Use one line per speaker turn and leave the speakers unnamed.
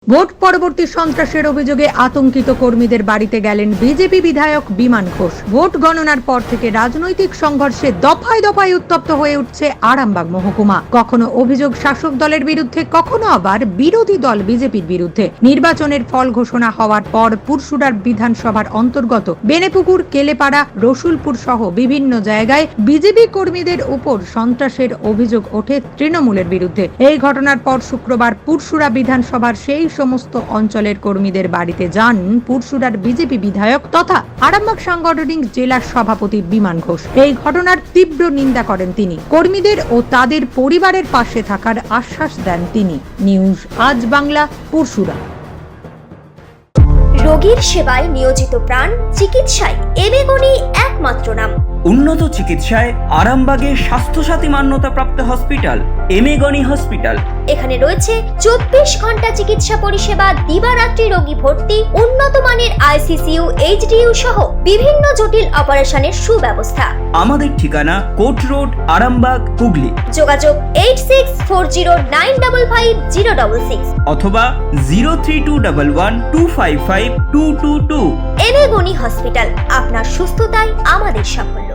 Vote পরবর্তী সন্ত্রাসের অভিযোগে আতঙ্কিত কর্মীদের বাড়িতে গেলেন বিজেপি বিধায়ক বিমান ঘোষ। ভোট গণনার পর থেকে রাজনৈতিক সংঘর্ষে দফায় দফায় উত্তপ্ত হয়ে উঠছে আরামবাগ মহকুমা। কখনো অভিযোগ শাসক দলের বিরুদ্ধে, কখনো আবার বিরোধী দল বিজেপির বিরুদ্ধে। নির্বাচনের ফল ঘোষণা হওয়ার পর পুরসুরার বিধানসভার অন্তর্গত বেনেপুকুর, কেলেপাড়া, রসুলপুর সহ বিভিন্ন জায়গায় বিজেপি কর্মীদের উপর সন্ত্রাসের অভিযোগ ওঠে তৃণমূলের বিরুদ্ধে। এই ঘটনার পর শুক্রবার পুরসুরা বিধানসভার সেই সমস্ত অঞ্চলের কর্মীদের বাড়িতে যান পুরসুরার বিজেপি বিধায়ক তথা আরামবাগ সাংগঠনিক জেলা সভাপতি বিমান ঘোষ। এই ঘটনার তীব্র নিন্দা করেন তিনি। কর্মীদের ও তাদের পরিবারের পাশে থাকার আশ্বাস দেন তিনি। নিউজ আজ বাংলা, পুরসুরা।
রোগীর সেবায় নিয়োজিত প্রাণ, চিকিৎসায় এবেগুনি একমাত্র নাম।
উন্নত চিকিৎসায় আরামবাগে স্বাস্থ্যসাথী মান্যতাপ্রাপ্ত হসপিটাল এমেগনি হসপিটাল।
এখানে রয়েছে 24 ঘন্টা চিকিৎসা পরিষেবা, দিবারাত্রি রোগী ভর্তি, উন্নত মানের আইসিসিইউ, এইচডিইউ সহ বিভিন্ন জটিল অপারেশনের সুব্যবস্থা।
আমাদের ঠিকানা কোট রোড, আরামবাগ, হুগলি।
যোগাযোগ 8640955066
অথবা 032112552222।
এবেগুনি হসপিটাল, আপনার সুস্থতাই আমাদের সাফল্য।